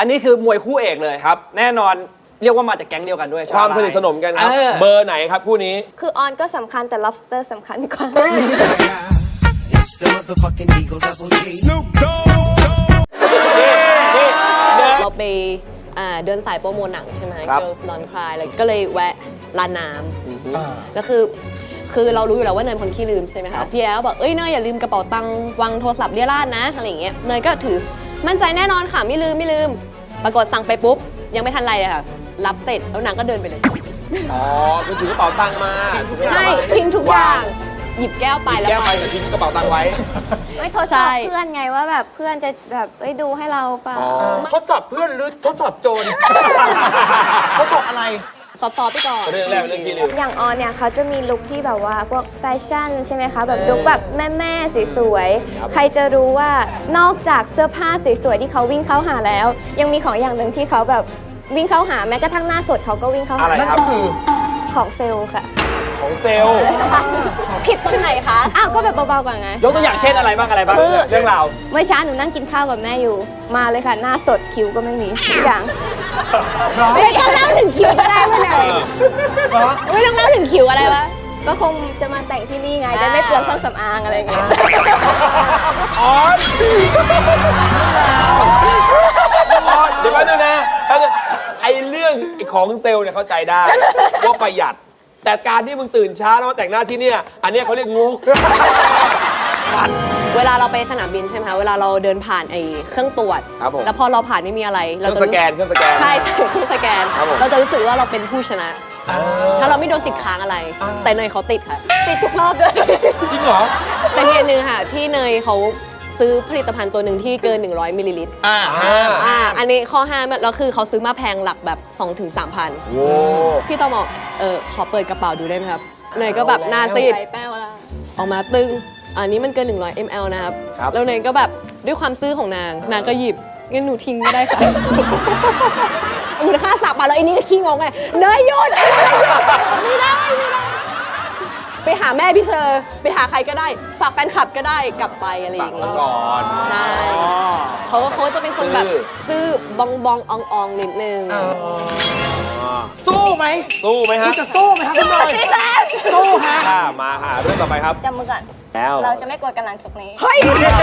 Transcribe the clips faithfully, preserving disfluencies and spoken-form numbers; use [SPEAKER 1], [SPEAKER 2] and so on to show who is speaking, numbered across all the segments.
[SPEAKER 1] อันนี้คือมวยคู่เอกเลย
[SPEAKER 2] ครับ
[SPEAKER 1] แน่นอนเรียกว่ามาจากแก๊งเดียวกันด้วย
[SPEAKER 2] ความสนิทสนมกันครับเบอร์ไหนครับคู่นี้
[SPEAKER 3] คือออนก็สำคัญแต่ lobster สำคัญกว่า
[SPEAKER 4] เราไปเดินสายโปรโมทหนังใช่ไหม Girls Don't Cry แล้วก็เลยแวะร้านน้ำแล้วคือคือเรารู้อยู่แล้วว่าเนยเป็นคนขี้ลืมใช่ไหมคะพี่แอลบอกเอ้ยเนยอย่าลืมกระเป๋าตังค์วางโทรศัพท์เรี่ยราดนะอะไรอย่างเงี้ยเนยก็ถือมั่นใจแน่นอนค่ะไม่ลืมไม่ลืมปรากฏสั่งไปปุ๊บยังไม่ทันไรเลยค่ะรับเสร็จแล้วนางก็เดินไปเลย
[SPEAKER 2] อ๋อคือถือกระเป๋าตังค์มา
[SPEAKER 4] ใช่ทิ้งทุกอย่างหยิบแก้วไปแล้ว
[SPEAKER 2] แก้วไปแต่ทิ้งกระเป๋าตังค์ไว้
[SPEAKER 3] ไม่ทดสอบเพื่อนไงว่าแบบเพื่อนจะแบบเอ้ยดูให้เราเปล่า
[SPEAKER 1] ทดสอบเพื่อนหรือทดสอบโจรทดสอบอะไร
[SPEAKER 4] ซอฟๆไปก่อน
[SPEAKER 2] เรื่องแรกเรื่องที่ลืม
[SPEAKER 3] อย่างออนเนี่ยเขาจะมีลุคที่แบบว่าพวกแฟชั่นใช่ไหมคะแบบลุคแบบแม่ๆสวยๆใครจะรู้ว่านอกจากเสื้อผ้าสวยๆที่เขาวิ่งเข้าหาแล้วยังมีของอย่างหนึ่งที่เขาแบบวิ่งเข้าหาแม้กระทั่งหน้าสดเขาก็วิ่งเข้าหา
[SPEAKER 2] อะไรครับคือ
[SPEAKER 3] ของเซลล์ค่ะ
[SPEAKER 2] ของเซลล์
[SPEAKER 4] ผิดตรงไหนคะ
[SPEAKER 3] อ้าวก็แบบเบาๆกว่าไง
[SPEAKER 1] ยกตัวอย่างเช่นอะไรบ้างอะไรบ้างเรื่องราว
[SPEAKER 3] เมื่อเช้าหนูนั่งกินข้าวกับแม่อยู่มาเลยค่ะหน้าสดคิ้วก็ไม่มีทุกอย่าง
[SPEAKER 4] ไม่ต้องเล่าถึงคิ้วก็ได้ไม่เลยไม่ต้องเล่าถึงคิ้วอะไรวะ
[SPEAKER 3] ก็คงจะมาแต่งที่นี่ไงจะไม่เปลืองเครื่องสำอางอะไรอย่างเงี้ย
[SPEAKER 2] อ๋อเดี๋ยวแป๊บนึงนะแป๊บนึงไอ้เรื่องของเซลล์เนี่ยเข้าใจได้ว่าประหยัดแต่การที่มึงตื่นช้าแล้วมาแต่งหน้าที่เนี่ยอันนี้เขาเรียกงก
[SPEAKER 4] เวลาเราไปสนามบินใช่ไหมคะเวลาเราเดินผ่านไอ้เครื่องตรวจแล้วพอเราผ่านไม่มีอะไร
[SPEAKER 2] เราจะสแกนเครื่องสแกน
[SPEAKER 4] ใช่ใช่เครื่องสแกนเราจะรู้สึกว่าเราเป็นผู้ชนะถ้าเราไม่โดนติดค้างอะไรแต่เนยเขาติดค่ะติดทุกรอบด้วย
[SPEAKER 2] จริงเหรอ
[SPEAKER 4] แต่มีอันนึงค่ะที่เนยเขาซื้อผลิตภัณฑ์ตัวหนึ่งที่เกินหนึ่งร้อยมิลลิลิตรอ่าอ่าอันนี้ข้อห้ามแล้วคือเขาซื้อมาแพงหลักแบบ สองถึงสามพัน
[SPEAKER 2] โว้
[SPEAKER 4] พี่ต้องบอกเออขอเปิดกระเป๋าดูได้ไหมครับเนยก็แบบหน้าซีดออกมาตึงอันนี้มันเกินหนึ่งร้อยมิลลิลิตรนะครับแล้วเนยก็แบบด้วยความซื่อของนางนางก็หยิบงั้นหนูทิ้งไม่ได้ค่ะมูลค่าสับมาแล้วไอ้นี่ก็ขี้งงไงเนยหยุดไม่ได้ไม่ได้ไปหาแม่พี่เชอร์ไปหาใครก็ได้ฝากแฟนคลับก็ได้กลับไปอะไรอย่างเงี้ย
[SPEAKER 2] ก่อน
[SPEAKER 4] ใช่เขาเขาจะเป็นคนแบบซื่อบองบองอองอองนิดนึง
[SPEAKER 1] สู้ไหม
[SPEAKER 2] สู้ไหมฮะ
[SPEAKER 1] จะสู้ไหมครับคุณหน่อยสู้ฮะ
[SPEAKER 2] มาหาเรื่องต่อไปครับ
[SPEAKER 3] จำมือก่อน
[SPEAKER 2] แล้ว
[SPEAKER 3] เราจะไม่กดกันหลังจากนี้
[SPEAKER 4] เฮ้ย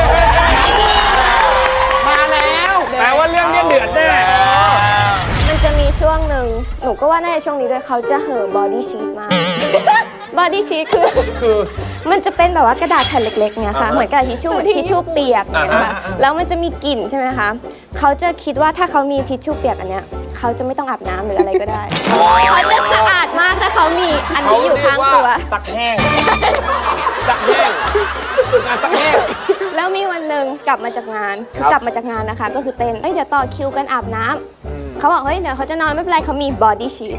[SPEAKER 1] มาแล้วแปลว่าเรื่องนี้เดือดแน่
[SPEAKER 3] มันจะมีช่วงหนึ่งหนูก็ว่าน่าจะช่วงนี้ด้วยเขาจะเห่อบอดี้ชีทมากบอดี้ชีทคือคือมันจะเป็นแบบว่ากระดาษแผ่นเล็กๆเนี่ยค่ะเหมือนกระดาษทิชชู่ทิชชู่เปียกเนี่ยนะคะแล้วมันจะมีกลิ่นใช่ไหมคะเขาจะคิดว่าถ้าเขามีทิชชู่เปียกอันเนี้ยเขาจะไม่ต้องอาบน้ำหรืออะไรก็ได้เขาจะสะอาดมากถ้าเขามีอันนี้อยู่ข้างตัว
[SPEAKER 2] ซักแห้งซักแห้งงานซักแห้ง
[SPEAKER 3] แล้วมีวันหนึ่งกลับมาจากงานกลับมาจากงานนะคะก็คือเต้นเฮ้ยเดี๋ยวต่อคิวกันอาบน้ำเขาบอกเฮ้ยเดี๋ยวเขาจะนอนไม่เป็นไรเขามีบอดี้ชีท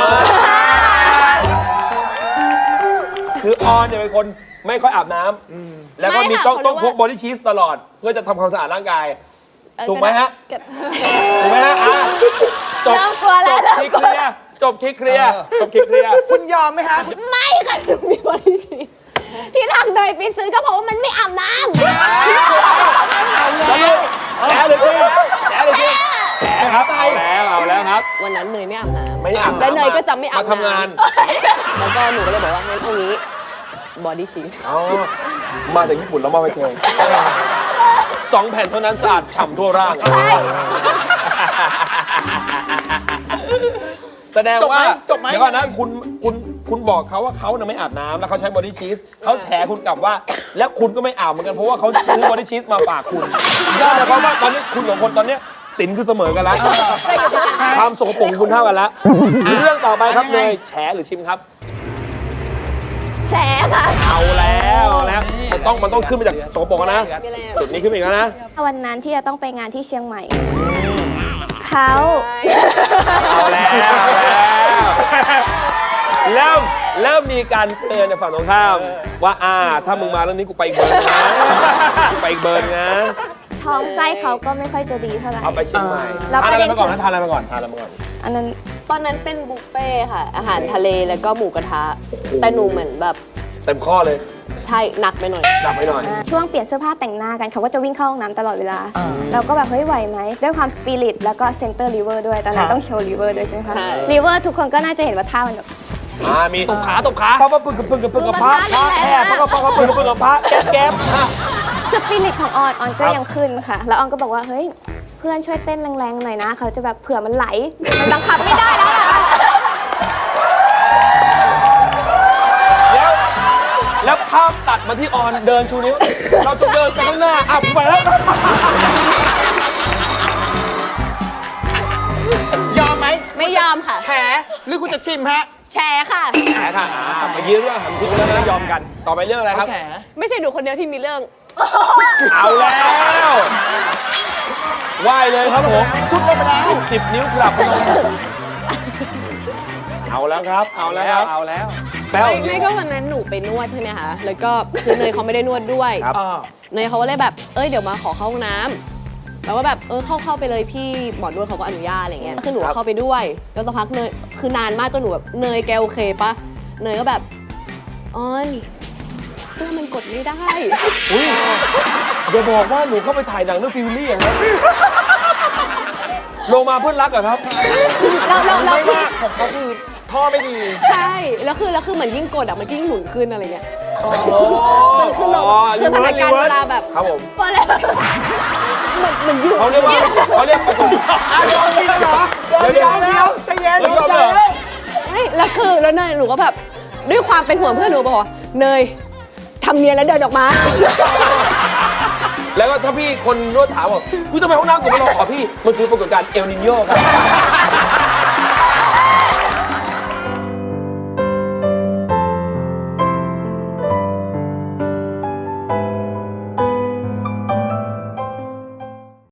[SPEAKER 2] คือออนเนี่ยเป็นคนไม่ค่อยอาบน้ำแล้วก็มีต้องต้องพกบอดี้ชีทตลอดเพื่อจะทำความสะอาดร่างกายถูกไหมฮะถูกไหมฮะจบจบที่เคลียร์จบที่เคลียร์จบที่เคลียร์
[SPEAKER 1] คุณยอมไหมฮะ
[SPEAKER 4] ไม่ค่ะหนูมีบอดี้ชีทที่ทางเนยไปซื้อก็เพราะว่ามันไม่อาบน้ำ
[SPEAKER 2] สรุปแฉหรือจริงแฉหรือจริงแฉครับเอาแล้วเอาแล้วครับ
[SPEAKER 4] วันนั้นเนยไม่อาบน้ำ
[SPEAKER 2] ไม่อาบ
[SPEAKER 4] แล้วเนยก็จะไม่อาบ
[SPEAKER 2] น้ำมาทำงาน
[SPEAKER 4] แล้วก็หนูก็เลยบอกว่างั้นเอางี้บอดี้ชีท
[SPEAKER 2] อ๋อมาจากญี่ปุ่นแล้วมาไปเทงสองแผ่นเท่านั้นสะอาดฉ่ำทั่วร่างแสดงว่า
[SPEAKER 1] จบไหม
[SPEAKER 2] เดี๋ยวก่อนนะคุณคุณคุณบอกเขาว่าเขาเนี่ยไม่อาบน้ำแล้วเขาใช้บอดี้ชีสเขาแฉคุณกลับว่าแล้วคุณก็ไม่อาบเหมือนกันเพราะว่าเขาซื้อบอดี้ชีสมาฝากคุณนั่นหมายความว่าตอนนี้คุณสองคนตอนนี้สินคือเสมอกันแล้วความสกปรกคุณเท่ากันแล้วเรื่องต่อไปครับเนยแฉหรือชิมครับ
[SPEAKER 3] แฉค่ะ
[SPEAKER 2] เอาแล้วแล้วมันต้องมันต้องขึ้นมาจากสกปรกนะจุดนี้ขึ้นอีกแล้วนะ
[SPEAKER 3] วันนั้นที่จะต้องไปงานที่เชียงใหม่เขา
[SPEAKER 2] เอาแล้วเริ่มเริ่มมีการเตือนในฝั่งตรงข้ามว่าอ่าถ้ามึงมาเรื่องนี้กูไปอีกเบิร์นนะไปอีกเบิร์นนะ
[SPEAKER 3] ท้องไส้เขาก็ไม่ค่อยจะดีเท่าไหร่
[SPEAKER 2] เอาไปเชียงใหม่ทานอะไรมาก่อนนะทานอะไรมาก่อนทานอะไรมาก่อน
[SPEAKER 3] อันนั้น
[SPEAKER 4] ตอนนั้นเป็นบุฟเฟ่ค่ะอาหารทะเลแล้วก็หมูกระทะแต่หนูเหมือนแบบ
[SPEAKER 2] เต็มข้อเลย
[SPEAKER 4] ใใช่หนักไปหน่อย
[SPEAKER 2] ดับไปหน่อย
[SPEAKER 3] ช่วงเปลี่ยนเสื้อผ้าแต่งหน้ากันเขาก็จะวิ่งเข้าห้องน้ำตลอดเวลา เราก็แบบเฮ้ยไหวไหมด้วยความสปิริตแล้วก็เซนเตอร์ลิเวอร์ด้วยตอนนั้นต้องโชว์ลิเวอร์ด้วยใช่ไหมคะ
[SPEAKER 4] ใช่
[SPEAKER 3] ลิเวอร์ทุกคนก็น่าจะเห็นว่าท่ามันแบบ
[SPEAKER 2] อ่ามีตบขาตบขาเพราะว่าปึกกับปึกกับปึกกับพระ
[SPEAKER 3] คือมันพระ
[SPEAKER 2] แอบเพราะว่าปึกกับปึกกับปึกกับพระแก๊บแก๊บอ่ะ
[SPEAKER 3] สปิริตของออนออนก็
[SPEAKER 2] ครับ
[SPEAKER 3] ยังขึ้นค่ะ แล้วออนก็บอกว่าเฮ้ยเพื่อนช่วยเต้นแรงๆหน่อยนะเขาจะแบบเผื่อมันไหลมันบังคับไม่ได้แล้วล่ะ
[SPEAKER 2] แล้วแล้วภาพตัดมาที่ออนเดินชูนิ้ว เราจะเดินไปข้างหน้าอ้าวไปแล้ว
[SPEAKER 1] ยอมไหม
[SPEAKER 4] ไม่ยอมค่ะ
[SPEAKER 1] แฉหรือคุณจะชิมฮะ
[SPEAKER 4] แชร์ค่ะ
[SPEAKER 2] แฉค่ะอ่าเมื่อกี้เรื่องหันคุกแล้วนะยอมกัน ต่อไปเรื่องอะไรครับ
[SPEAKER 1] แฉ
[SPEAKER 4] ไม่ใช่หนูคนเดียวที่มีเรื่อง
[SPEAKER 2] เอาแล้วไหว้เลยครับผม
[SPEAKER 1] ชุดลงไปแล้ว
[SPEAKER 2] สิบนิ้วกลับลงเอาแล้วครับ เอาแล้วครับ
[SPEAKER 1] เอาแล้ว
[SPEAKER 2] แป้ว
[SPEAKER 4] ไม่ไม่ก็วันนั้นหนูไปนวดใช่ไหมคะ แล้วก็คือเนยเขาไม่ได้นวดด้วย
[SPEAKER 2] ครับ
[SPEAKER 1] อ่า
[SPEAKER 4] เนยเขาก็เลยแบบ เอ้ยเดี๋ยวมาขอเข้าห้องน้ำแล้วก็แบบเออเข้าเข้าไปเลยพี่หมอนวดเขาก็อนุญาตอะไรเงี้ย คือหนูก็เข้าไปด้วย แล้วสักพักเนยคือนานมากจนหนูแบบเนยแกโอเคปะเนยก็แบบออนเสื้อมันกดไม่ได้
[SPEAKER 2] อุ้ยอย่าบอกว่าหนูเข้าไปถ่ายหนังเรื่องฟิลลี่อย่างนั้นลงมาเพื่อนรักเหรอครับ
[SPEAKER 4] เราเราเรา
[SPEAKER 1] ไม่
[SPEAKER 4] คือ
[SPEAKER 1] ว่าของเขาคือท่อไม่ดี
[SPEAKER 4] ใช่ แล้วคือแล้วคือเหมือนยิ่งกดอ่ะมันยิ่งหนุนขึ้นอะไรเงี้ย
[SPEAKER 2] โอ้
[SPEAKER 4] มันคือเราคือสถานการณ์เวลาแบบ
[SPEAKER 2] ครับผม
[SPEAKER 4] พอแล้วมันมันยุ่ง
[SPEAKER 2] เขาเรียกว่าเขาเรียกประสบ
[SPEAKER 1] เดี๋ยวเดี๋ยวเดี๋ยวใจเย็น
[SPEAKER 2] ไม่ยอมเลยเหรอ
[SPEAKER 4] ไม่แล้วคือแล้วเนยหนูก็แบบด้วยความเป็นห่วงเพื่อนหนูบอกว่าเนยทำเนียนแล้วเดินออกมา
[SPEAKER 2] แล้วก็ถ้าพี่คนนวดถามบอกกูทำไมห้องน้ำกูไม่ลองขอพี่ มันคือปรากฏการณ์เอลนิโยครับ